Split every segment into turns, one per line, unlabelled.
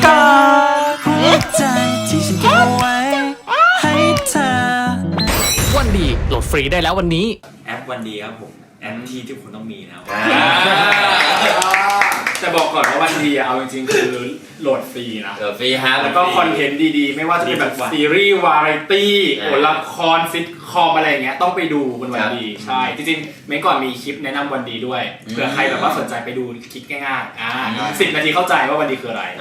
กอดหัวใจที่ฉันเก็บเอาไว้ให้เธอ
วันดีโหลดฟรีได้แล้ววันนี้
แอปวันดีครับผมแอปที่ทุกคนต้องมีนะครับแต่บอกก่อนว่าวันดีเอาจริงๆคือโหลดฟรีนะ
โหลดฟรีฮะ
แล้วก็คอนเทนต์ดีๆไม่ว่าจะเป็นแบบซีรีส์วาไรตี้ละครซิทคอมอะไรเงี้ยต้องไปดูบนวันดีใช่จริงๆเมื่อก่อนมีคลิปแนะนำวันดีด้วยเผื่อใครแบบว่าสนใจไปดูคลิปง่ายๆ10 นาทีเข้าใจว่าวันดีคืออะไร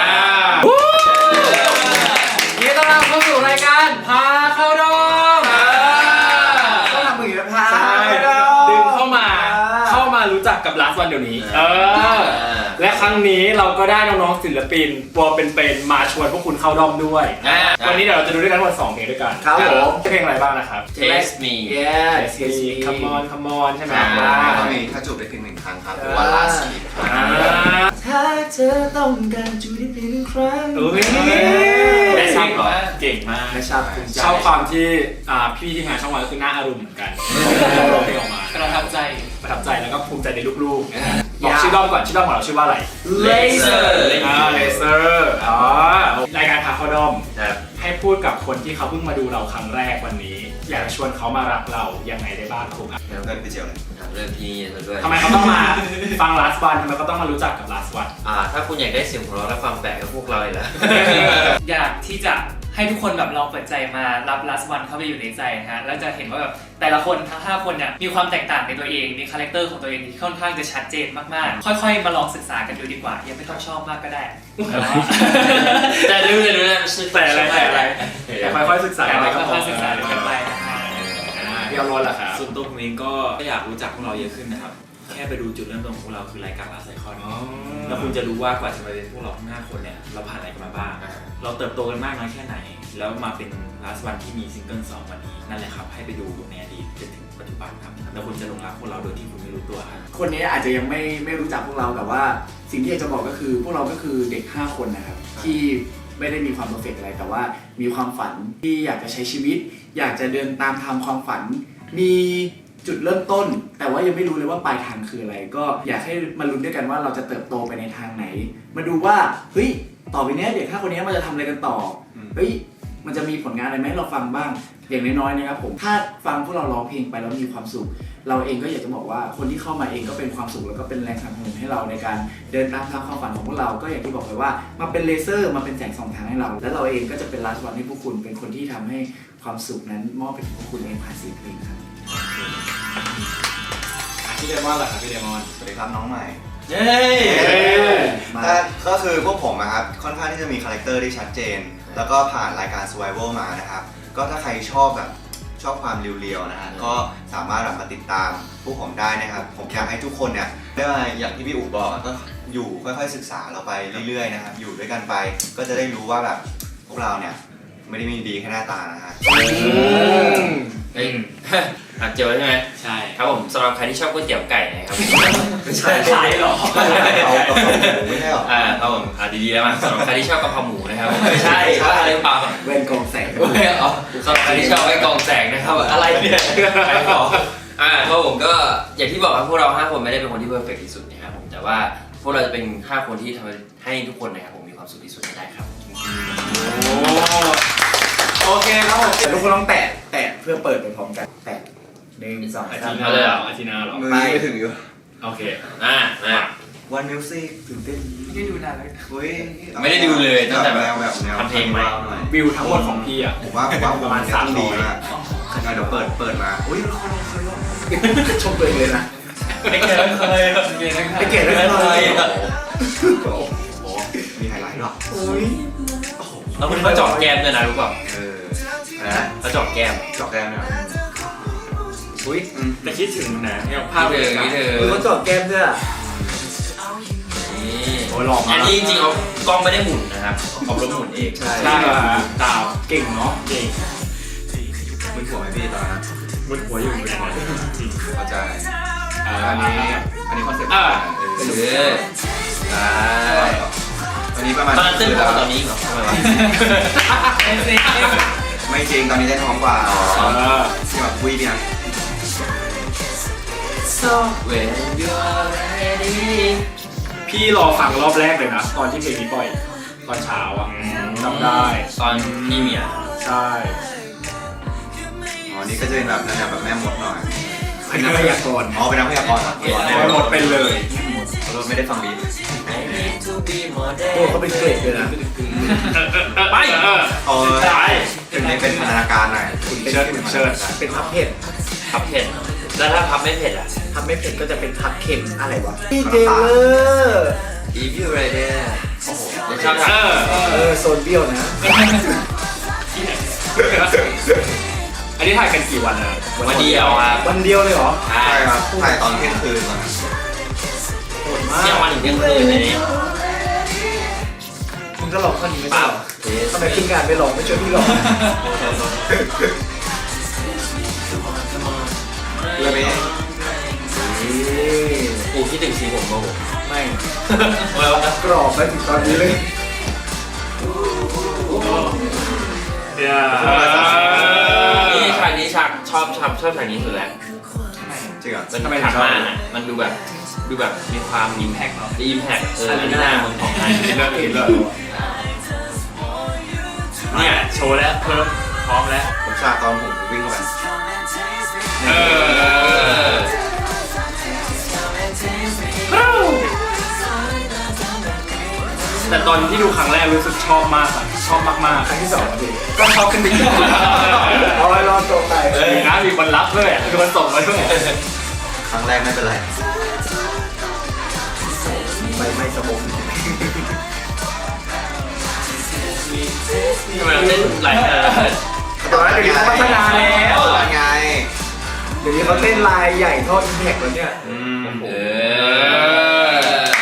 ยินดีต้อนรับเข้าสู่รายการพาเข้าดง
ต้องทำมือแบบพาดึงเข้ามารู้จักกับLast Oneเดี๋ยวนี้และครั้งนี้เราก็ได้น้องๆศิลปินตัวเป็นๆมาชวนพวกคุณเข้าด้อมด้วยวันนี้เดี๋ยวเราจะดูด้วยกันทั้งหมด2เพลงด้วยกันครับผมเพลงอะไรบ้างนะครับ
Taste Me
Taste Me Come On ใช่ไหม
ก็มีถ้าจูบได้เพียง1 ครั้งครับหรือว่า Last Kiss
ถ้าเธอต้องการจูบได้เพียง1 ครั้ง
ได้ชอบเหรอเก่งมากชอบความที่พี่ที่งานช่องวันก็คือหน้าอารมณ์เหมือนกันร้องเพลงออกมา
ประทับใจ
แล้วก็ภูมิใจในลูกๆบอกชื่อด้อมก่อนชื่อด้อมของเราชื่อว่าอะไร
Laser
รายการพาเข้าด้อมให้พูดกับคนที่เขาเพิ่งมาดูเราครั้งแรกวันนี้อยากชวนเขามารักเรายังไงได้บ้างครับ
เริ่มไปเจียวเลย
เริ่มที่ด้วย
ทำไมเขาต้องมาฟัง Last One ทำไมเขาต้องมารู้จักกับ Last One
ถ้าคุณอยากได้เสียงหัวเราะและความแปลกกับพวกเราเลยล่ะ
อยากที่จะให้ทุกคนแบบลองเปิดใจมารับ Last One เข้าไปอยู่ในใจนะฮะแล้วจะเห็นว่าแบบแต่ละคนทั้ง5 คนเนี่ยมีความแตกต่างในตัวเองมีคาแรคเตอร์ของตัวเองที่ค่อนข้างจะชัดเจนมากๆค่อยๆมาลองศึกษากันดูดีกว่ายังไม่ต้องชอบมากก็ได้
แต่ดูนะ
แต่อะไรแต่ค่อยๆศึกษาอะไรก็พอ
ศึกษากันไปนะฮะ
พี่เอารถล่ะครับ
ส่วนตัวผมเองก็อยากรู้จักพวกเราเยอะขึ้นนะครับแค่ไปดูจุดเริ่มต้นของพวกเราคือรายการLast Iconแล้วคุณจะรู้ว่ากว่าจะมาเป็นพวกเราทั้ง5 คนเนี่ยเราผ่านอะไรกันมาบ้างเราเติบโตกันมากน้อยแค่ไหนแล้วมาเป็นLast Oneที่มีซิงเกิล2วันนี้นั่นแหละครับให้ไปดูในอดีตจนถึงปัจจุบันครับแล้วคุณจะหลงรักพวกเราโดยที่คุณไม่รู้ตัวครับ
คนนี้อาจจะยังไม่รู้จักพวกเราแต่ว่าสิ่งที่อยากจะบอกก็คือพวกเราก็คือเด็ก5 คนนะครับที่ไม่ได้มีความเพอร์เฟกต์อะไรแต่ว่ามีความฝันที่อยากจะใช้ชีวิตอยากจะเดินตามทางความฝันมีจุดเริ่มต้นแต่ว่ายังไม่รู้เลยว่าปลายทางคืออะไรก็อยากให้มาลุ้นด้วยกันว่าเราจะเติบโตไปในทางไหนมาดูว่าเฮ้ยต่อไปนี้เด็ก5 คนนี้มันจะทำอะไรกันต่อเฮ้ยมันจะมีผลงานอะไรไหมเราฟังบ้างอย่างน้อยๆนะครับผมถ้าฟังพวกเราร้องเพลงไปแล้วมีความสุขเราเองก็อยากจะบอกว่าคนที่เข้ามาเองก็เป็นความสุขแล้วก็เป็นแรงสนับสนุนให้เราในการเดินตามทางความฝันของพวกเราก็อย่างที่บอกไปว่ามาเป็นเลเซอร์มาเป็นแสงส่องทางให้เราแล้วเราเองก็จะเป็นLast Oneให้พวกคุณเป็นคนที่ทำให้ความสุขนั้นมอบไปถึงพวกคุณเองผ่านเสียงเพลงครับ
พี่เดมอนล่ะครับพี่เดมอน
สวัสดีครับน้องใหม่
เย้
ก็คือพวกผมนะครับค่อนข้างที่จะมีคาแรคเตอร์ที่ชัดเจนแล้วก็ผ่านรายการ Survival มานะครับก็ถ้าใครชอบความเรียวๆนะฮะก็สามารถมาติดตามพวกผมได้นะครับผมอยากให้ทุกคนเนี่ยได้มาอย่างที่พี่อู๋บอกก็อยู่ค่อยๆศึกษาเราไปเรื่อยๆนะครับอยู่ด้วยกันไปก็จะได้รู้ว่าแบบพวกเราเนี่ยไม่ได้มีดีแค่หน้าตานะฮะ
เจอใช่ไหม
ใช่
ครับผมสำหรับใครที่ชอบก๋วยเตี๋ยวไก่นะครับ
ไม่ใช่ขายหรอไม่ใช่หรอ
ครับผมดีๆแล้วมาสำหรับใครที่ชอบกะเพราหมูนะครับไม่ใช่อะไรเปล่า
เว้นกองแสง
สำหรับใครที่ชอบไว้กองแสงนะครับอะไรเนี่ยใครบอกเพราะผมก็อย่างที่บอกว่าพวกเรา5 คนไม่ได้เป็นคนที่เพอร์เฟกต์ที่สุดนะครับผมแต่ว่าพวกเราจะเป็น5 คนที่ทำให้ทุกคนนะครับผมมีความสุขที่สุดได้ครับ
โอเคครับผม
ทุกคนต้องแตะเพื่อเปิดไปพร้อมกันแตะ1 2 3
อาทิตย์หน้าเลยอาทิตย์หน้าหรอ
ไม่ถึงอยู่
โอเค
วันมิวสิกตื่นเต้น
ไม่ได้ดูนานเลย
ไม่ได้ดูเลยตั้งแต่
แบบ
ทำเพลงใหม่
วิวทั้งหมดของพี่อ่ะ
ผมว่าประมาณ300นะเดี๋ยวเปิดมาอุ้ย
ชมตัวเองเลยนะ
ไม่เก่งเลย
มีไฮไลท์หรอ
แล้วมันก็เจาะแก้มด้วยนะรู้ป่ะเขาเจาะแก้ม
เนี่ย
อุ้ยแต่คิดถึงนะเนี่ยภาพ
เลย
เขาเจาะแก้มด้วย
โอ้ยหลอก
อันนี้จริงๆเขากล้องไม่ได้หมุนนะครับเขาล้มหมุนเอง
ใช่ดาวเก่งเนาะเก่ง
มึนหัวไหมพี่ตอนนั้น
มึนหัวอยู่เหมือนกัน
เข้าใจอันนี้คอนเซ็ปต์ตอนนี้ประมาณ
ตอนนั้นเต้นตอนนี้เหรอ
ไม่จริงตอนนี้ได้ท้องกว่าที่แบบวิ่งเนี่ย
So when you're ready
พี่รอฟังรอบแรกเลยนะตอนที่เพลงนี้ปล่อยตอนเช้าอ่ะจำได้
ตอนพี่เมีย
ใช่
อ๋อนี่ก็จะเป็นแบบแนวแบบแม่มดหน่อย
เป็นนักพยากรณ์
อ๋อเป็นนักพยากรณ์เหรอ
ไม่หมดเป็นเลย
เราไม่ได้ฟังบีท
โอ้เขาเป็นเกรดเลยนะ
ไป
อ๋อ
ใช่
ถึงนี้เป็นพันธนาการหน่อย
เชิดเชิด
เป็นพับเผ็ด
พับเผ็ดแล้วถ้าพับไม่เผ็ดอ่ะ
พับไม่เผ็ดก็จะเป็นพับเค็มอะไรวะพี่เจเลอร์
อีพิวไรเดอร์โอ้โหเดี๋ยวชอบ
โซนเบี้ยวนะ
อันนี้ถ่ายกันกี่วันนะ
วันเดียวครับ
วันเดียวเลยเหรอ
ใช่
ใช่ครับถ่ายตอนเที่ยงคืนมา
โหดมาก
เที่ยงวันถึงเที่ยงคืนในนี้
คุณก็ลองข้อนี้ไม่ใช่เหรอทำไมขึ้นงานไม่ลองไม่ช่วยพี่ลอง
เลยไหม
กูคิดถึงสีผมโมโห
ไม่
แล้วนะ
กรอบไปถึงตอนนี้เลย
นี่ฉากนี้ฉากชอบฉากนี้สุดแล้ว
จริงเหรอ
มันทำไมถัดมาอ่ะมันดูแบบมีความอิมแพคเนาะอิมแพคอันนี้หน้ามึงของไทย
เลิกกินเลย
เนี่ยโชว์แล้วเพิ่มพร้อมแล้ว
ผมฉากตอนผมวิ่งเข้าไป
แต่ตอนที่ดูครั้งแรกรู้สึกชอบมากอะชอบมาก
ครั้งที่สองพี่
ๆก็ชอบขึ้นไปอีก
เอาไว้รอตัวไป
มีนะมีคนรับด้วยมีคนส่งมาด้วย
ครั้งแรกไม่เป็นไร
ไม่สมอง
ทำไมเราเล่นหลายขนาดนั้น
แต่ว่าเดี๋ยวนี้เขาพัฒนาแล้ว
ไง
เดี๋ยวนี้เขาเต้นลายใหญ่เท่าอิมแพคแล้วเนี่ย
เออ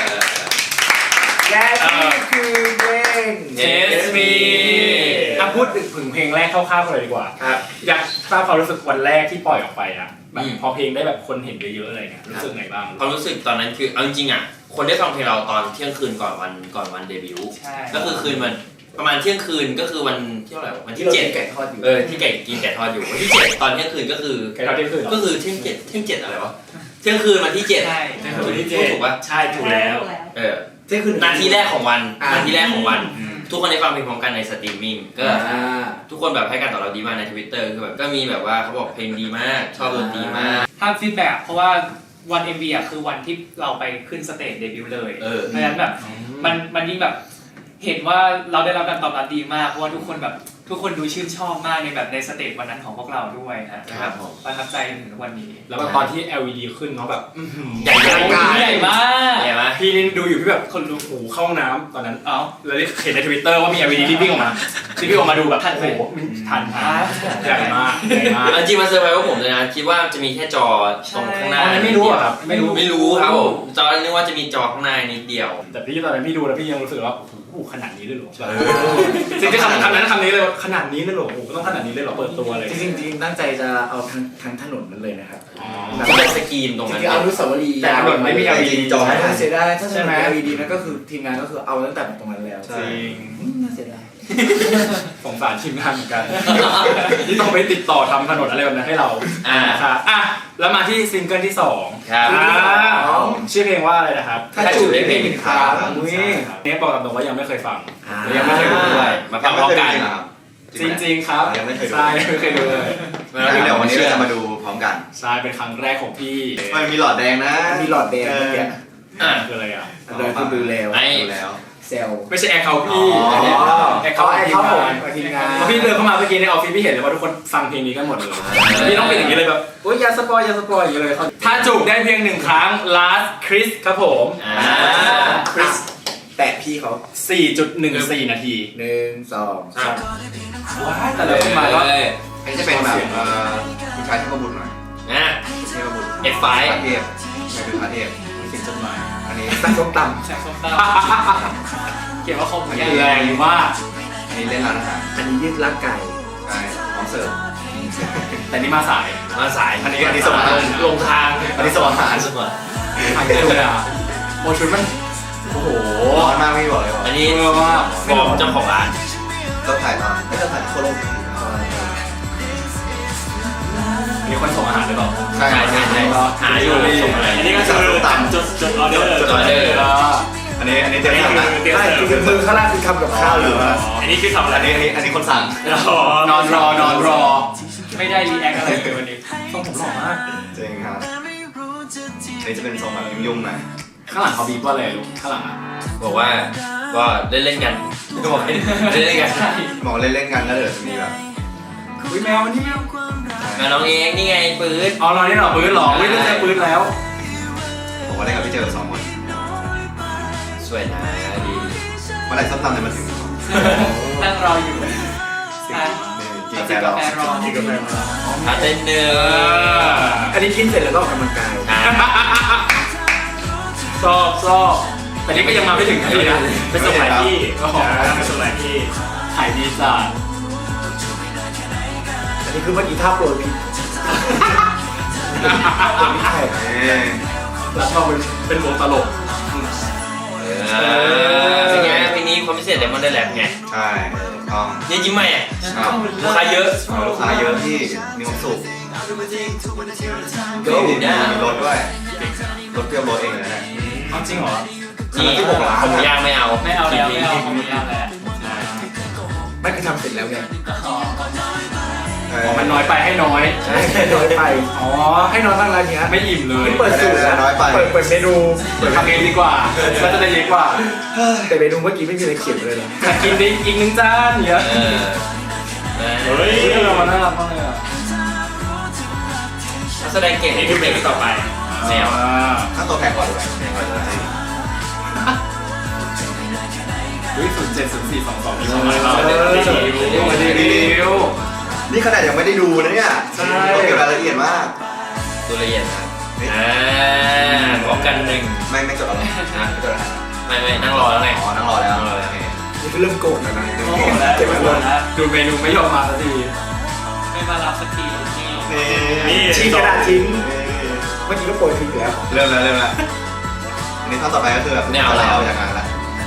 และนี่คือเพลง
Taste Me พูดถึงเพลงแรกคร่าวๆกันเลยดีกว่า
ครับ
อยากทราบความรู้สึกวันแรกที่ปล่อยออกไปอะแบบพอเพลงได้แบบคนเห็นเยอะๆอะไรเงี้ยรู้สึกไงบ้าง
ความรู้สึกตอนนั้นคือเอาจริงๆอ่ะคนได้ฟังเพลงเราตอนเที่ยงคืนก่อนวันเดบิวต์
ใช่
ก็คือคืนมันประมาณเที่ยงคืนก็คือวันที่เท่าไหร่วะวันที่
ที่เรา
เจ็ด
กินไก่ทอดอยู่
ที่ไก่กินไก่ทอดอยู่วันที่เจ็ดตอนเที่ยงคืนก็คือ
ไก่ทอดเที่ยงคืนเหรอ
ก็คือเที่ยงเจ็ดอะไรวะเที่ยงคืนวันที่เจ็ด
ใช่
วันที่เจ็ดถูกปะ
ใช่ถูกแล้ว
เที่ยงคืน
นาทีแรกของวัน
อ่า
นาทีแรกของวัน ทุกคนได้ฟังเพลงพร้อมกันในสตรีมมิ่งก็ ทุกคนแบบให้การตอบรับดีมากใน Twitter คือแบบก็มีแบบว่าเขาบอกเพลงดีมากชอบดนตรีมาก
ถ้าฟีดแบ็กเพราะว่าวัน MV อ่ะคือวันที่เราไปขึ้นสเตจเดบิวต์เลย
เออ
เพราะฉะนั้นแบบมันยิ่งแบบเห็นว่าเราได้รับการตอบรับดีมากเพราะว่าทุกคนดูชื่นชอบมากในแบบในสเตจวันนั้นของพวกเราด้วยนะครับ
ผม
ประทับใจจนถึงทุกวันนี้
แล้วแบบตอนที่ LED ขึ้นเนาะแบบอื้อหือ
ใหญ่
ใหญ่มาก
ใหญ่ไหม
พี่นี่ดูอยู่พี่แบบคนดูหูเข้าห้องน้ำตอนนั้น
เอ้า
แล้วได้เห็นใน Twitter ว่ามี LED ที่วิ่งออกมาที่วิ่งออกมาดูแบบโอ้โหทันใหญ่มากใหญ่มาก
จริงๆมันเซอร์ไพรส์พวกผมเลยนะคิดว่าจะมีแค่จอตรงข้างหน้า
อันนั้นไม่รู้อะครับไม่รู้
ครับผมจอนึกว่าจะมีจอข้างหน้านิดเดียว
แต่พี่ตอนนั้นพี่ดูแล้วพี่ยังรู้สึกว่าโอ้โหขนาดนี้เลยเหรอจริงๆคำนี้เลยว่าขนาดนี้เลยเหรอโอ้โหต้องขนาดนี้เลยเหรอเปิดตัวเลย
จริงๆตั้งใจจะเอาทั้งถนนนั้นเลยนะครับ
ที่เป็นสกรีนตรง
จ
นั้น
ริงๆเอาอนุสาวรีย์
แต่ถนนไม่มี LED
จอ
ใช่เสียดายถ้า
ใช่
จะ
ไหม
มี LED นั่นก็คือทีมงานก็คือเอาตั้งแต่ตรงนั้นแล้ว
จริง
น่าเสียดาย
สงสารทีมงานเหมือนกัน ที่ต้องไปติดต่อทำถนนอะไรแบบนั้นให้เรา ครับอ่ะแล้วมาที่ซิงเกิลที่2
ครับ
ชื่อเพลงว่าอะไรนะครับ
ถ้าจูบได้เพลงหนึ่งครั้ง
อุ้ยเนี่ยบอกกับตรงว่ายังไม่เคยฟังยังไม่เคยดูด้วย
มาฟังพร้อมกัน
จริงๆครับ
ยังไม่เคยดู
ใช่ไม่เคยดูเลย
เดี๋ยววันนี้เราจะมาดูพร้อมกัน
ใช่เป็นครั้งแรกของพี่
มันมีหลอดแดงนะ
มีหลอดแดงเมื่อกี้
คืออะไรอ่ะ
เดินคือดูแล้ว
ไอ้
ดูแล้ว
เซล
ไม่ใช่แอร์เขาพี่
อ๋อ
แอร์เขา
ไอ้
ที
เขา
ม
ผม
งาน
ทีมงาน
พอพี่เดินเข้ามาเมื่อกี้ในออฟฟิศพี่เห็นเลยว่าทุกคนฟังเพลงนี้กันหมดเลยพี่ต้องเป็นอย่างนี้เลยแบบโอ๊ยอย่าสปอยอย่างนี้เลยถ้าจูบได้เพียง1 ครั้ง last kiss ครับผม
คริสแตะพี่เขา
4.14 นาที
1 2 3
ว้ายแต่ละขึ้นมาก็
อันนี้จะเป็นแบบผู้ชายเทพบุตรหน่อย
นะ
เทพบุตร
F5
พระเทพใช่เป็นพระเทพ
เขียนจดหมาย
อันนี้
ตั้งส้มต
แสงส้มตาเขียนว่าคม
แรงมาก
อันนี้เล่นร้านอาหาร
ำอันนี้ยืดร่างกาย
ใช่พร้อมเสิร์ฟ
แต่นี่มาสาย
มาสาย
อันนี้ส่งอาหาร
ลงทาง
อันนี้ส่งอาหาร
สมอ
ทางเดินอ่ะโมชุดมันโอ้โห
ร้อนมากไม่บอกเลยว่า
อันนี้
เออว่า
ฟอร์มเจ้าของร้าน
ก็ถ่ายตอนไม่ก็ถ่ายโคโลก
มีคนส่งอาหารหรือเปล่า
ใช่
ใช่หาอยู่ส่งอะไร
อันนี้ก็คือ
ตาม
จดออเดอร์
จดออเดอร์
อัน
อันนี้เตรียมทำนะ
เตรียม
ใช่
เสิร์ฟ
คือมือข้างล่างคือทำกับข้าวอยู่นะ
อันนี้คือทำอะไร
อันนี้คนสั่ง
นอนรอนอนรอ
ไม่ได้รีแอคอะไรเลยวันนี้
ทรงผมหล่อมาก
จริงครับอันนี้จะเป็นทรงแบบยุ่งๆหน่อย
ข้างหลังเขาบีบว่าอะไรลูกข้างหลังอ่ะ
บอกว่าก็เล่นๆกันก็บอกให้เล่นๆกัน
มองเล่นๆกันแล้วเดี๋ยวจะมีแบบ
อุ้ยแมวนี่แมว
มาน้องเองนี่ไงปืน
อ๋อเรานี่เหรอปืนหรอไม่ได้ใช้ปืนแล้ว
ผมว่าเล่นกับพี่เจอ2 คน
สวยนะดี
เมื่อไหรส้มตำเนี่ยมาถึง
นั่งรออยู่อ่ะ
กินแฟเรา
แฟรอ
กินกาแฟมา
พาเต้นเนื้อ
อันนี้กินเสร็จแล้วก็ออกกำลังกาย
ชอบแต่นี่ก็ยังมาไม่ถึงที่นะไปส่งหลายที่ก็ขอไปส่งหลายที่ถ่ายดีจ้า
อันนี้คือเมื่อกี้ท่าโปรยผิดไม่ใช่
แล้วชอบเป็นวงตลก
เป็นไงปีนี้ความพิเศษเดมอนได้แลบไง
ใช่ต้อง
เนี่ยยิ้มใหม่อ่ะ
ครับ
ลูกค้าเยอะ
ลูกค้าเยอะที่มีความสุข
ก็อุ่นเนี่ย
มีรถด้วยรถเปรี้ยวรถเองเลยนะ
เอาจริงเหรอ
นี่ผมย่างไม่เอา
ไม่เอาแล้วไม่เอาของไม่เอาแล้ว
ไม่คือทำเสร็จแล้วไง
อ๋อ
อ๋อมันน้อยไปให้น้อย
ใช่แค่น้อยไปอ๋อให้น้อยบ้างอะไรเงี้ย
ไม่อิ่มเลย
เปิดสูตรนะเปิดเมนู
ทำเองดีกว่าก็จะได้เยอะกว่า
แต่เมนูเมื่อกี้ไม่มีอะไรเขียนเลยนะ
อยากกินดิอีก1 จานเยอะ
เฮ้ย
มันน่ารักมากเลยอ่ะ
นักแสดงเก่ง
นี่คือเพลงต่อไป
แนว
ถ้าตัวแพงกว่าด้วย
อุ้ย070422มีความหมายเรารีวิว
นี่ขนาดยังไม่ได้ดูนะเนี่ยต้องเก็บรายละเอียดมาก
ตัวละเอียดนะครับพร้อมกันหนึ่ง
ไม่จดอะไรนะไม่จดอะไร
ไม่นั่งรอแล้วไง
อ๋อนั่งรอแล้วโอเค
นี่คือเริ่มโกรธแล้วนะ
โอ้โหแล้ว
เจ็บปวด
แล้ว
ดูเมนูไม่ยอมมาสักที
ไม่มารับสักทีนี่
นี่
ทิ้งกระดาษทิ้งเมื่อกี้ก็โปรยทิ้งแล้ว
เริ่มแล้วอันนี้ท่อนต่อไปก็คือแบบอะไรเอาจากงานละ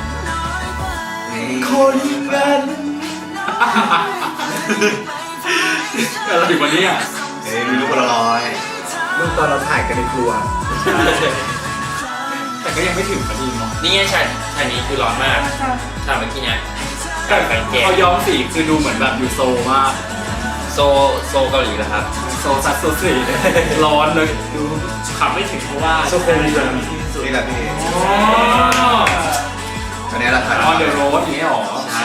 คนนั้น
อะไรอยู่วันนี้อ่ะ
มีรูปคนละร้อย
รูปตอนเราถ่ายกันในครัว
แต่ก็ยังไม่ถึงพอดีเนาะ
นี่ไงฉากนี้คือร้อนมากฉากเมื่อกี้เนี่ยไฟแกง
เขาย้อมสีคือดูเหมือนแบบอยู่โซมาก
โซเกาหลีเหรอครับ
โซซัดโซสีร้อนเลยดูขับไม่ถึงเพราะว่า
โซโคลีเลย
นี่แหละพี่
อ๋อ
อันนี้เราถ่าย
ออนเดอะโรดอย่างเงี้ยหรอใช่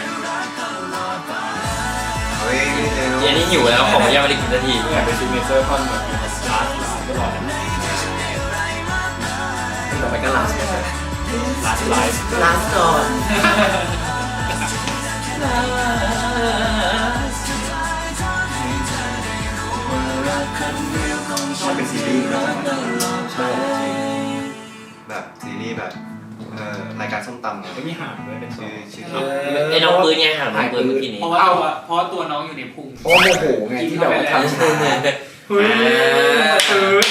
เฮ้ย
เย็นนี้หิวแล้วของยังไม่ได้กินสักที
อยากเป็นซิกเนเจอร์คอนแบบลาสก็หล่อนะ
ต่อไปก็ลาส
ลาสไลฟ์
ลาสก่อน
ชอบเป็นซีรีส์แบบซีรีส์แบบรายการส้มตำ
ไม่มีหางด้วยเป็นโซ
ชื่อ
ไอ้น้องปืนไงห่างน้องปืนเมื่อกี้นี้
เพราะว่าตัวน้องอยู่ในพุง
เพราะว่าโมโหไงที่แบบว่าทำช้า
เฮ้ยตื่น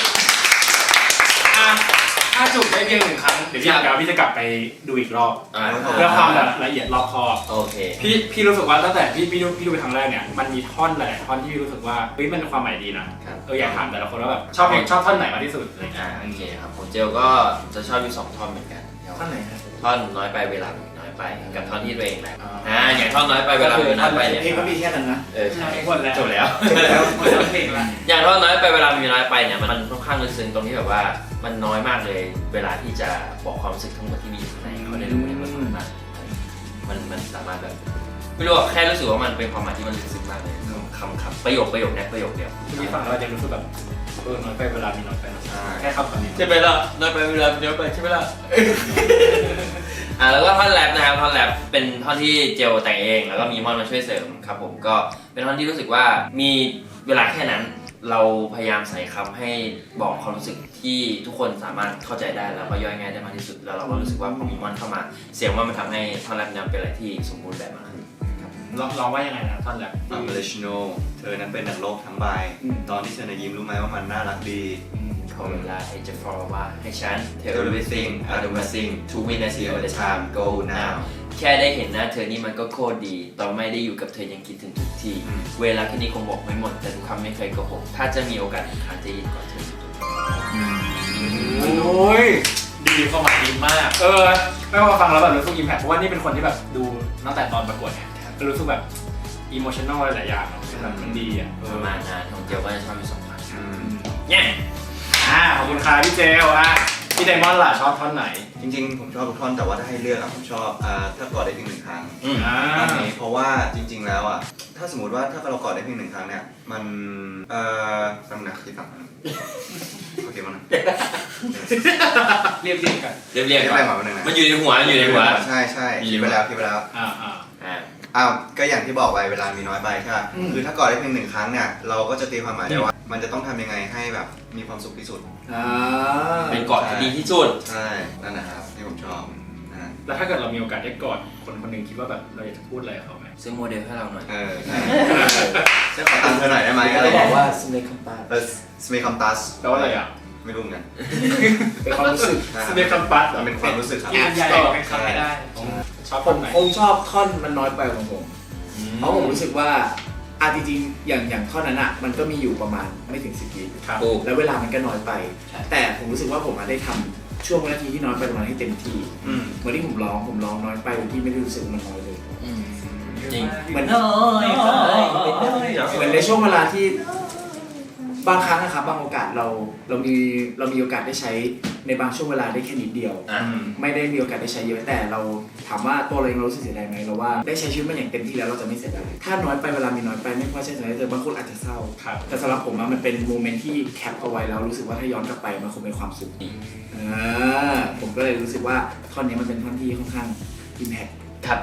ถ้าจุดได้เพียง1 ครั้งเดี๋ยวพี่จะกลับไปดูอีกรอบ เพื่อความแบบละเอียดรอบคอบ
โอเค
พี่รู้สึกว่าตั้งแต่พี่ดูไปครั้งแรกเนี่ยมันมีท่อนหลายๆท่อนที่พี่รู้สึกว่าเฮ้ยมันความหมายดีนะอยากถามแต่ละคนว่าแบบชอบท่อนไหนมากที่สุดอะไรเงี้ย
โอเคครับผมเจลก็จะชอบอยู่2ท่อนเหมือนกัน
ท่านไหนครับ
ท่อนน้อยไปเวลามีน้อยไปกับท่อนที่ตัวเองแหละอย่างท่อนน้อยไปเวลามีน้อยไปเนี่ย
เพลงก็มีแค่นั้นนะ
ใช่
หมดแล้ว
จบแล้ว
หมดแล้วเพลงละ
อย่างท่อนน้อยไปเวลามีน้อยไปเนี่ยมันค่อนข้างลึกซึ้งตรงที่แบบว่ามันน้อยมากเลยเวลาที่จะบอกความรู้สึกทั้งหมดที่มีอยู่ในเขาได้รู้ในมันมากมันสามารถแบบไม่รู้อะแค่รู้สึกว่ามันเป็นความหมายที่มันลึกซึ้งมากเลยคำประโยคเนี่ยประโยคเดียว
พี่ฟังแล้วจะรู้สึกแบบน้อยไปเวลามีน้อยไปแค่คำนี้
ใช่ไหมล่ะน้อยไปเวลาเยอะไปใช่ไหมล่ะ แล้วก็ท่อนแรปนะครับท่อนแรปเป็นท่อนที่เจลแต่งเองแล้วก็มีมอนมาช่วยเสริมครับผมก็เป็นท่อนที่รู้สึกว่ามีเวลาแค่นั้นเราพยายามใส่คำให้บอกความรู้สึกที่ทุกคนสามารถเข้าใจได้แล้วก็ย่อยง่ายได้มากที่สุดแล้วเราก็รู้สึกว่าพอมีมอนเข้ามาเสียงว่ามันทำให้ท่อนแรปนั้นเป็นอะไรที่สมบูรณ์แบบมากขึ้น
ลองว่ายังไงนะท่อนแรป
อัมเบลชิโนเธอนั้นเป็นนักโลกทั้งใบตอนที่เธอยิ้มรู้ไหมว่ามันน่ารักดี
ขอเวลาให้จะฟอร์ว่าให้ฉัน tell everything I do my thing 2 minutes all the time go now แค่ได้เห็นหน้าเธอนี่มันก็โคตรดีตอนไม่ได้อยู่กับเธอยังคิดถึงทุกทีเวลาแค่นี้คงบอกไม่หมดแต่ทุกคำไม่เคยโกหกถ้าจะมีโอกาสอีกครั้งจะยินก่อนเธอ
โอ้ยดีมีความหมายดีมากไม่ว่าฟังแล้วแบบรู้สึกอิมแพคเพราะว่านี่เป็นคนที่แบบดูตั้งแต่ตอนประกวดเนี่ยรู้สึกแบบอิโมชั่นอลหลายอย่างเนาะแบบมันดีอ่ะ
ประมาณนั้นของเจียวก็จะชอบมี2 พัน
เนี่ยขอบคุณค่ะพี่เจลพี่ไดมอนด์ล่ะชอบท่อนไหน
จริงๆผมชอบทุกท่อนแต่ว่าถ้าให้เลือกอะผมชอบถ้ากอดได้เพียง1 ครั้ง
อัน
นี้เพราะว่าจริงๆแล้วอ่ะถ้าสมมติว่าถ้าเรากอดได้เพียง1 ครั้งเนี่ยมันตั้งหนักที่ฝั่งโอเคมั้ง
เรียบกัน
เรียบๆก่อนมันอยู่ในหัว
ใช่คิดไปแล้วก็อย่างที่บอกไปเวลามีน้อยไปใช่ไหมคือถ้ากอดได้เพียง1 ครั้งเนี่ยเราก็จะตีความหมายได้ว่ามันจะต้องทำยังไงให้แบบมีความสุขที่สุด
เป็นกอดที่ดีที่สุด
ใช่นั่นนะครับที่ผมชอบ
แล้วถ้าเกิดเรามีโอกาสได้กอดคนคนหนึ่งคิดว่าแบบเราอยากจะพูดอะไรกับเขาไหม
ซื้อโมเดลให้เราหน่อย
จะขอตังค์เธอหน่อยได้ไหมอะไร
บอกว่าสเมคัมปัส
สเมคัมปัส
แปลว่าอะไรอ่ะ
ไม่รู้เหมือนกัน
เป็นความรู้สึก
สเมคัมปัส
มันเป็นความรู้สึกครับ
ใหญ่เป็นคำไม่ได้
ชอบคนไหน
ผมชอบท่อนมันน้อยไปของผมเพราะผมรู้สึกว่าจริงๆอย่างท่อนนั้นอ่ะมันก็มีอยู่ประมาณไม่ถึง10 วิแล้วเวลามันก็น้อยไปแต่ผมรู้สึกว่าผมได้ทำช่วงวินาทีที่น้อยไปตรงนั้นให้เต็มที่เหมือนที่ผมร้องน้อยไปโดยที่ไม่ได้รู้สึกมันน้อยเลย
จริง
เหมือนในช่วงเวลาที่บางครั้งนะครับบางโอกาสเรามีโอกาสได้ใช้ในบางช่วงเวลาได้แค่นิดเดียวไม่ได้มีโอกาสได้ใช้เยอะแต่เราถามว่าตัวเราเองรู้สึกเสียดายไหมเราว่าได้ใช้ชีวิตมันอย่างเต็มที่แล้วเราจะไม่เสียดายถ้าน้อยไปเวลามีน้อยไปไม่ค่อยใช่ไหมแต่บางคนอาจจะเศร้าแต่สำหรับผมมันเป็นโมเมนต์ที่แคปเอาไว้แล้วรู้สึกว่าถ้าย้อนกลับไปมันคงเป็นความสุขผมก็เลยรู้สึกว่าท่อนนี้มันเป็นท่อนที่ค่อนข้างอิมแพค
ครับ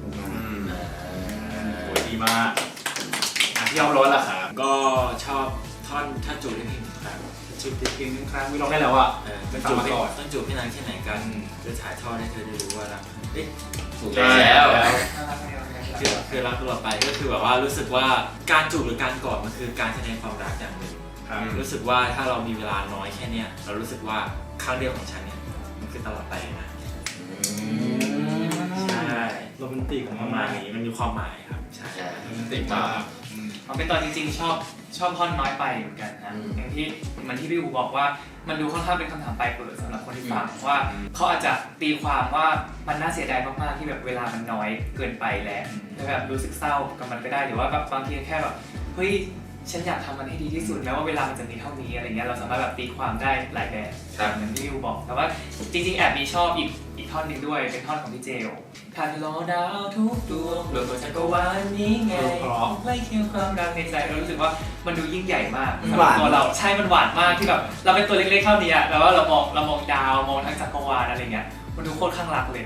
ดีมากที่ยอมร้อนล่ะครับ
ก็ชอบท่อนถ้าจูบได้เพียง1 ครั้ง
จูบเพียง1 ครั้งวิลองได้แล้วอ่ะ
มันจูบไม่ต้องจูบไม่นานแค่ไหนกันจะถ่ายทอดให้เธอได้รู้ว่ารัก
ถูกแล้ว
คือรักตลอดไปก็คือแบบว่ารู้สึกว่าการจูบหรือการกอดมันคือการแสดงความรักอย่างหนึ่งรู้สึกว่าถ้าเรามีเวลาน้อยแค่นี้เรารู้สึกว่าครั้งเดียวของฉันเนี่ยมันคือตลอดไปนะใช่โรแมนติกของประมาณนี้มันมีความหมายครับใช่โรแมนติกมาก
เอาเป็นตอนจริงๆชอบท่อนน้อยไปเหมือนกันนะอย่างที่มันที่พี่อูบอกว่ามันดูค่อนข้างเป็นคำถามปลายเปิดสำหรับคนที่ฟังว่าเขาอาจจะตีความว่ามันน่าเสียดายมากๆที่แบบเวลามันน้อยเกินไปแล้วแบบรู้สึกเศร้ากับมันก็ได้หรือว่าแบบบางทีแค่แบบเฮ้ยฉันอยากทำมันให้ดีที่สุดแม้ว่าเวลามันจะมีเท่านี้อะไรเงี้ยเราสามารถแบบตีความได้หลายแบบเหมือนที่พี่อูบอกแต่ว่าจริงๆแอบมีชอบอีกท่อนหนึ่งด้วยเป็นท่อนของพี่เจลถ้าล้อดาวทุกดวงโลกจักรวาลนี้ไงไล่เคียงความรักในใจเรารู้สึกว่ามันดูยิ่งใหญ่มากสำหรับตัวเราใช่มันหวานมากที่แบบเราเป็นตัวเล็กๆเท่านี้อะแต่ว่าเรามองดาวมองทั้งจักรวาลอะไรเงี้ยมันดูโคตรข้างรักเลย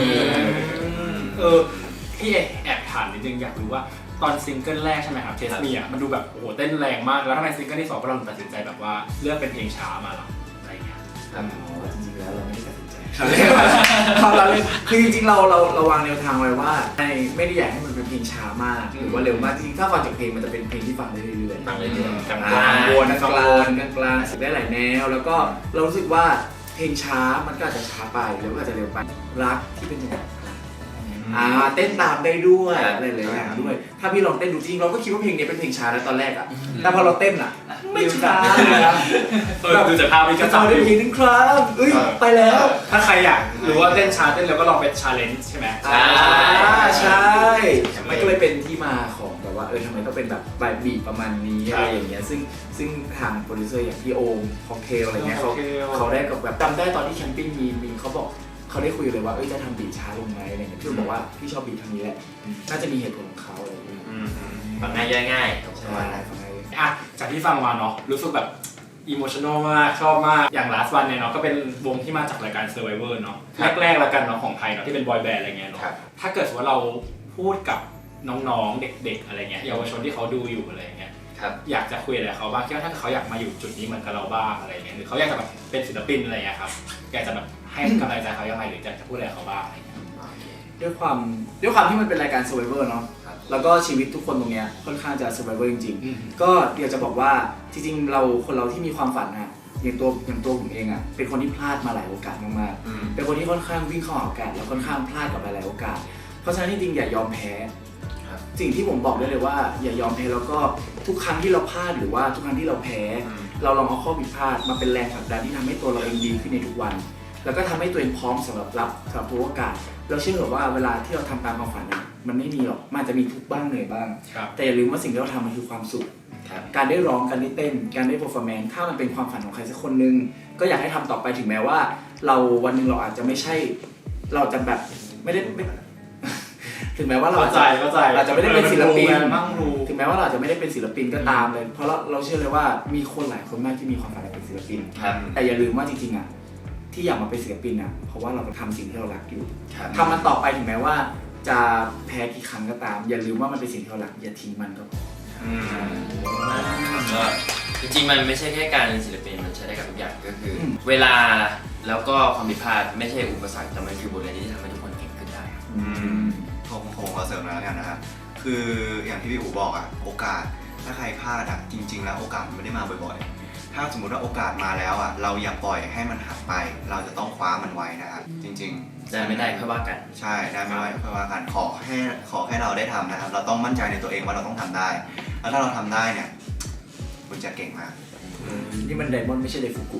พี่แอบถามนิดนึงอยากรู้ว่าตอนซิงเกิลแรกใช่ไหมครับเทสมีอ่ะมันดูแบบโอ้โหเต้นแรงมากแล้วทำไมซิงเกิลที่2เราตัดสินใจแบบว่าเลือกเป็นเพลงช้ามาหรออะไรเงี้ย
จริงๆแล้วเราไม่ได้ตัดสินใจเราเลยคือจริงๆเราวางแนวทางไว้ว่าไม่ได้อยากให้มันเป็นเพลงช้ามากหรือว่าเร็วมากจริงๆถ้าฟังจากเพลงมันจะเป็นเพลงที่ฟังได้เรื่อยๆฟังเรื่อยๆกลางๆวนกลางๆได้หลายแนวแล้วก็เรารู้สึกว่าเพลงช้ามันก็อาจจะช้าไปหรือว่าอาจจะเร็วไปรักที่เป็นอย่างเต้นตามได้ด้วยอะไรหลายอย่างด้วยถ้าพี่ลองเต้นดูจริงเราก็คิดว่าเพลงนี้เป็นเพลงช้าแล้วตอนแรกอ่ะแต่พอเราเต้นอ่ะไม่ช้าเลยนะ
ดูจากภาพนี้ก็
จำได้เพลงนึงครับไปแล้ว
ถ้าใครอยากหรือว่าเต้นช้าเต้นแล้วก็ลองเป็นชาเลนจ์ใช่ไหม
ใช่มันก็เลยเป็นที่มาของแบบว่าทำไมต้องเป็นแบบบีบประมาณนี้อะไรอย่างเงี้ยซึ่งทางโปรดิวเซอร์อย่างพี่โอมค็อกเทลอะไรเงี้ยเขาได้กับแบบจำได้ตอนที่แคมปิ้งมีเขาบอกเขาได้คุยเลยว่าจะทำบีทช้าลงไหมอะไรเงี้ยพี่บอกว่าพี่ชอบบีททางนี้แหละน่าจะมีเหตุผลของเขาอะไรอย่างเงี้ย
ฟังง่ายง่าย
ใช่ฟังง่าย
จากที่ฟังมาเนาะรู้สึกแบบอิโมชั่นอลมากชอบมากอย่าง Last One เนี่ยเนาะก็เป็นวงที่มาจากรายการ Survivor เนาะแรกๆแล้วกันเนาะของไทยเนาะที่เป็นบอยแบนด์อะไรเงี้ยเนาะถ้าเกิดว่าเราพูดกับน้องๆเด็กๆอะไรเงี้ยเยาวชนที่เขาดูอยู่อะไรเงี้ยอยากจะคุยอะไรเขาบ้างคิดว่าถ้าเขาอยากมาอยู่จุดนี้เหมือนกับเราบ้างอะไรเงี้ยหรือเขาอยากจะแบบเป็นศิลปินอะไรเงี้ยครับอยากจะแบบให้กำลังใจเขายังไงหรือจะพูดอะไรเขาบ้างอะไรเงี้ย
ด้วยความที่มันเป็นรายการ Survivor เนาะแล้วก็ชีวิตทุกคนตรงเนี้ยค่อนข้างจะ Survivor จริงๆก็เดี๋ยวจะบอกว่าจริงๆคนเราที่มีความฝันนะอย่างตัวผมเองอ่ะเป็นคนที่พลาดมาหลายโอกาสมากๆเป็นคนที่ค่อนข้างวิ่งเข้าหาโอกาสแล้วค่อนข้างพลาดกับหลายโอกาสเพราะฉะนั้นจริงๆอย่ายอมแพ้สิ่งที่ผมบอกได้เลยว่าอย่ายอมแพ้แล้วก็ทุกครั้งที่เราพลาดหรือว่าทุกครั้งที่เราแพ้เราลองเอาข้อผิดพลาดมาเป็นแรงผลักดันที่ทำให้ตัวเราเองดีขึ้นในทุกวันแล้วก็ทำให้ตัวเองพร้อมสำหรับทุกโอกาสเราเชื่อว่าเวลาที่เราทำตามความฝันนะมันไม่มีหรอกมันอาจจะมีทุกข์บ้างเหนื่อยบ้างแต่อย่าลืมว่าสิ่งที่เราทำมันคือความสุขการได้ร้องการได้เต้นการได้เปอร์ฟอร์แมนซ์ถ้ามันเป็นความฝันของใครสักคนนึงก็อยากให้ทำต่อไปถึงแม้ว่าเราวันหนึ่งเราอาจจะไม่ใช่เราจะแบบไม่ได้ถึงแม้ว่าเราอาจจะไม่ได้เป็นศิลปินถึงแม้ว่าเราจะไม่ได้เป็นศิลปินก็ตามเลยเพราะเราเชื่อเลยว่ามีคนหลายคนมากที่มีความฝันอยากเป็นศิลปินแต่อย่าลืมว่าจริงๆอ่ะที่อยากมาเป็นศิลปินอ่ะเพราะว่าเราทำสิ่งที่เรารักอยู่ทำมันต่อไปถึงแม้ว่าจะแพ้กี่ครั้งก็ตามอย่าลืมว่ามันเป็นสิ่งที่เรารักอย่าทิ้งมันก็พอ
ก็จริงๆมันไม่ใช่แค่การเป็นศิลปินมันใช้ได้กับทุกอย่างก็คือเวลาแล้วก็ความผิดพลาดไม่ใช่อุปสรรคแต่มันคือบทเรียนที่ทำให้ทุกคนเก่งขึ้นได้
ผมขอเสริมแล้วกันนะครับคืออย่างที่พี่อู๋บอกอะโอกาสถ้าใครพลาดอะจริงๆแล้วโอกาสมันไม่ได้มาบ่อยๆถ้าสมมติว่าโอกาสมาแล้วอะเราอย่าปล่อยให้มันหักไปเราจะต้องคว้ามันไว้นะครับจริงๆ
ได้ไม่ได้ค่อยว่ากัน
ใช่ได้ไม่ได้ค่อยว่ากันขอให้เราได้ทำนะครับเราต้องมั่นใจในตัวเองว่าเราต้องทำได้แล้วถ้าเราทำได้เนี่ยคุณจะเก่งมาก
นี่มันไดมอนด์ไม่ใช่ไดฟุกุ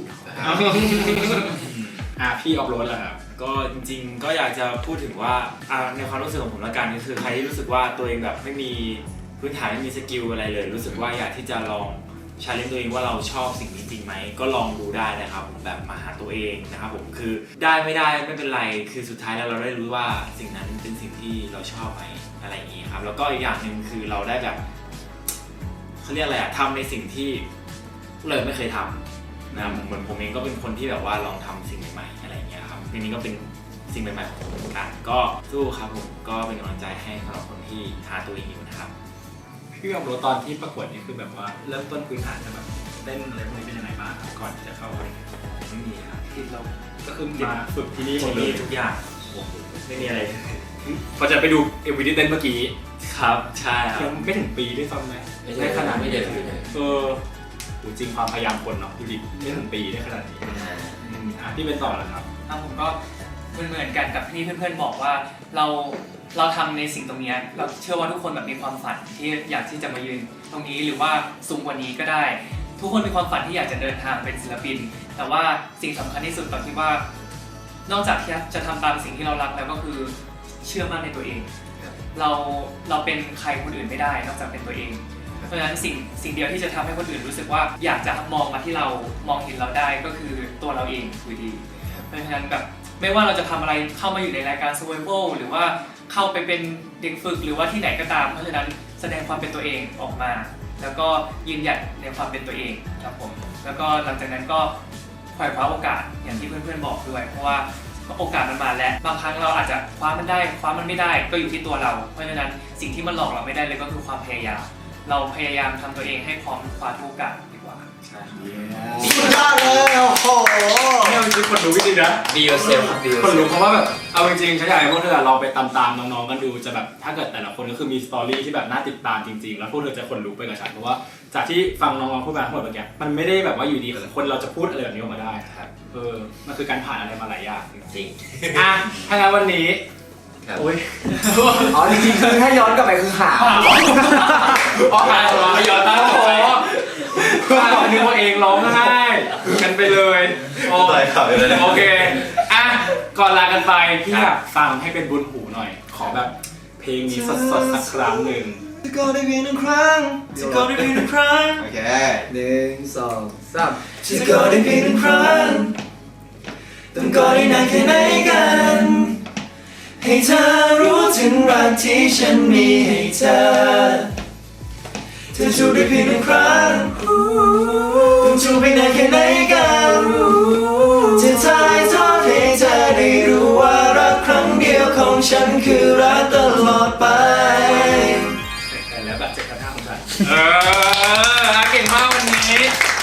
พี่ออฟโรดแล้วครับ
ก็จริงๆก็อยากจะพูดถึงว่าในความรู้สึกของผมละกันก็คือใครที่รู้สึกว่าตัวเองแบบไม่มีพื้นฐานไม่มีสกิลอะไรเลยรู้สึกว่าอยากที่จะลองชาเลนจ์ตัวเองว่าเราชอบสิ่งนี้จริงไหมก็ลองดูได้นะครับผมแบบมาหาตัวเองนะครับผมคือได้ไม่ได้ไม่เป็นไรคือสุดท้ายแล้วเราได้รู้ว่าสิ่งนั้นเป็นสิ่งที่เราชอบไหมอะไรอย่างนี้ครับแล้วก็อีกอย่างหนึ่งคือเราได้แบบเขาเรียกอะไรทำในสิ่งที่เลยไม่เคยทำนะเหมือนผมเองก็เป็นคนที่แบบว่าลองทำสิ่งใหม่ๆอะไรอย่างเงี้ยครับทีนี้ก็เป็นสิ่งใหม่ๆของผมเหมือนกันก็สู้ครับผมก็เป็นกำลังใจให้สำหรับคนที่หาตัวเองอยู่นะครับ
พี่ออฟโรดตอนที่ประกวดนี่คือแบบว่าเริ่มต้นพื้นฐานแบบเต้นอะไรพวกนี้เป็นยังไงบ้างก่อนที่จะเข้าไป
ไม่มีครับ
ที่เราก็คือมาฝึกที่นี่หมดเลย
ทุกอย่าง
ไม่มีอะไรพอจะไปดูMVที่เต้นเมื่อกี้
ครับใช่ครับ
ยังไม่ถึงปีด้วยซ้ำไหม
ได้ขนาดไม่เด็ด
จริงความพยายามคนเนาะพี่ดิไม่ถึงปีได้ขนาดนี้ที่เป็นต่อแล้วครับ
ผมก็เหมือนกันกับที่เพื่อนๆบอกว่าเราทำในสิ่งตรงนี้เราเชื่อว่าทุกคนแบบมีความฝันที่อยากที่จะมายืนตรงนี้หรือว่าสูงกว่านี้ก็ได้ทุกคนมีความฝันที่อยากจะเดินทางเป็นศิลปินแต่ว่าสิ่งสำคัญที่สุดตอนที่ว่านอกจากที่จะทำตามสิ่งที่เรารักแล้วก็คือเชื่อมั่นในตัวเองเราเป็นใครคนอื่นไม่ได้นอกจากเป็นตัวเองเพราะฉะนั้นสิ่งเดียวที่จะทำให้คนอื่นรู้สึกว่าอยากจะมองมาที่เรามองเห็นเราได้ก็คือตัวเราเองอยู่ดีเพราะฉะนั้นแบบไม่ว่าเราจะทำอะไรเข้ามาอยู่ในรายการ Survival หรือว่าเข้าไปเป็นเด็กฝึกหรือว่าที่ไหนก็ตามเพราะฉะนั้นแสดงความเป็นตัวเองออกมาแล้วก็ยืนหยัดในความเป็นตัวเองครับผมแล้วก็หลังจากนั้นก็คว้าโอกาสอย่างที่เพื่อนๆบอกด้วยเพราะว่าโอกาสมันมาแล้วบางครั้งเราอาจจะคว้ามันได้คว้ามันไม่ได้ก็อยู่ที่ตัวเราเพราะฉะนั้นสิ่งที่มันหลอกเราไม่ได้เลยก็คือความพยายามเราพยายามทำตัวเองให้พร้อมคว้าทุกโอกาสดีกว่า
ใช่
สุดยอดเลยโอ้โห
เนี่ยจริงๆคนรู้จริงๆนะ
Be yourself
คนรู้เพราะว่าแบบเอาจริงๆฉันอยากให้พวกเธอลองไปตามๆน้องๆกันดูจะแบบถ้าเกิดแต่ละคนก็คือมีสตอรี่ที่แบบน่าติดตามจริงๆแล้วพวกเธอจะคนรู้ไปกับฉันเพราะว่าจากที่ฟังน้องๆพูดมาทั้งหมดเมื่อกี้มันไม่ได้แบบว่าอยู่ดีคนเราจะพูดอะไรแบบนี้ออกมาได้ครับมันคือการผ่านอะไรมาหลายอย่าง
จริง
ถ้างั้นวันนี้
โอ้ยจริงๆคือถ้าย้อนกลับไปคือหา
ย้อนตั้งคอนึกว่าเองร้องไห้กันไปเลยโอเคก่อนลากันไปพี่อยากฟังให้เป็นบุญหูหน่อยขอแบบเพลงนี้สดๆสักครั้งหนึ่ง
จะก็ได้เพียงหนึ่งครั้งจะก็ได้เพียงหนึ่งครั้งโอเค
1 2 3
จะก็ได้เพียงหนึ่งครั้งต้องก็ได้นานแค่ไหนกันให้เธอรู้ถึงรักที่ฉันมีให้เธอจูบได้เพียงหนึ่งครั้งต้องจูบไปนานแค่ไหนกันจะถ่ายทอดให้เธอได้รู้ว่ารักครั้งเดียวของฉันคือรักตลอดไป
แต่แล้วแบบเจ็บกระทั่งของฉันเก่งมากวันนี้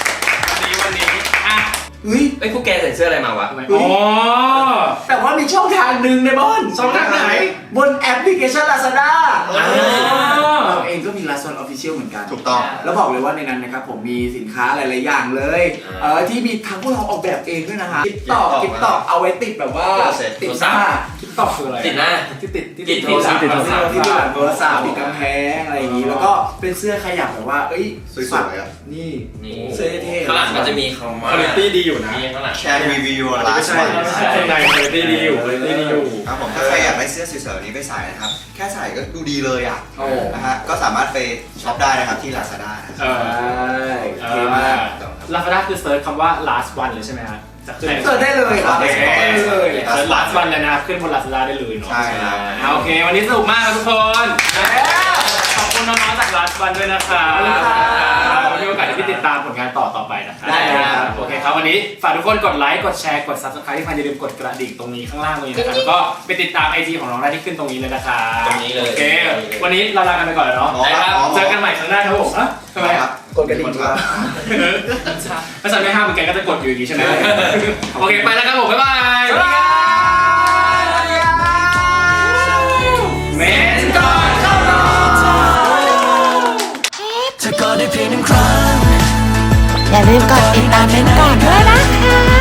ไอ้พวกแกใส่เสื้ออะไรมาวะ
แต่ว่ามีช่องทางหนึ่งในบอน
ช่องทางไหน
บนแอปพลิเคชัน Lazada เราเองก็มี Lazada Official เหมือนกัน
ถูกต้อง
แล้วบอกเลยว่าในนั้นนะครับผมมีสินค้าหลายๆอย่างเลยที่มีทั้งพวกเราออกแบบเองด้วยนะฮะคลิปต่อเอาไว้ติดแบบว่าติดหน้าคลิปต่อคืออะไร
ติดหน้า
ที่ติดโทรศัพท์ที่หลังโทรศัพท์ติดกำแพงอะไรอย่างนี้แล้วก็เป็นเสื้อขยับแบบว่า
สวยๆ
นี่เสื้อเท่
ข้างหลังมันจะมีคำว่า
quality ดีอยู่นะ
มีข้างหลัง
Can review your
ไม่
last
ใช่
one
ข้างในคุณภาพดีอยู่คุณภาพดีอยู่
ครับผมถ้าใครอยากได้เสื้อสวยๆนี้ไปใส่นะครับ แค่ใส่ก็ดูดีเลยอ่ะ
โอ้
นะฮะก็สามารถไปช็อปได้นะครับที่ Lazada นะครับ
เออ
โอเคมาก
Lazada คือเซิร์ชคำว่า last one เลยใช่ไหมฮะจะขึ้น
เสิร์ชได้เลยครับ
โอเค
ได้เลย
เซิร์ช last one เลยนะครับขึ้นบน Lazada ได้เลยเนาะ
ใช่ครับ
โอเค วันนี้สนุกมากครับทุกคน ขอบคุณน้องๆจาก last one ด้วยนะครับมีโอกาสที่ติดตามผลงานต่อไปนะครับ
ได้ครับ
โอเคครับวันนี้ฝากทุกคนกดไลค์กดแชร์กด subscribe ที่พันอย่าลืมกดกระดิ่งตรงนี้ข้างล่างตรงนี้นะครับแล้วก็ไปติดตาม IG ของน้องได้ที่ขึ้นตรงนี้เลยนะครับ
ตรงนี้เลย
โอเควันนี้เราลากันไปก่อนแล้วเนาะ
ได้ครับ
เจอกันใหม่ครั้งหน้าครับผมอ่ะทำไมครับ
กดกระดิ่งครับ
ถ้าฉันไม่ห้ามแกก็จะกดอยู่อย่างนี้ใช่ไหม โอเค ไปแล้วครับผม บ๊ายบาย
สวัสดีครับ
เมนก่อนเข้านอน
เธอก็ได้เพียงหนึ่งครั้ง
อย่าลืมกดติดตามเป็นก่อนด้วยนะคะ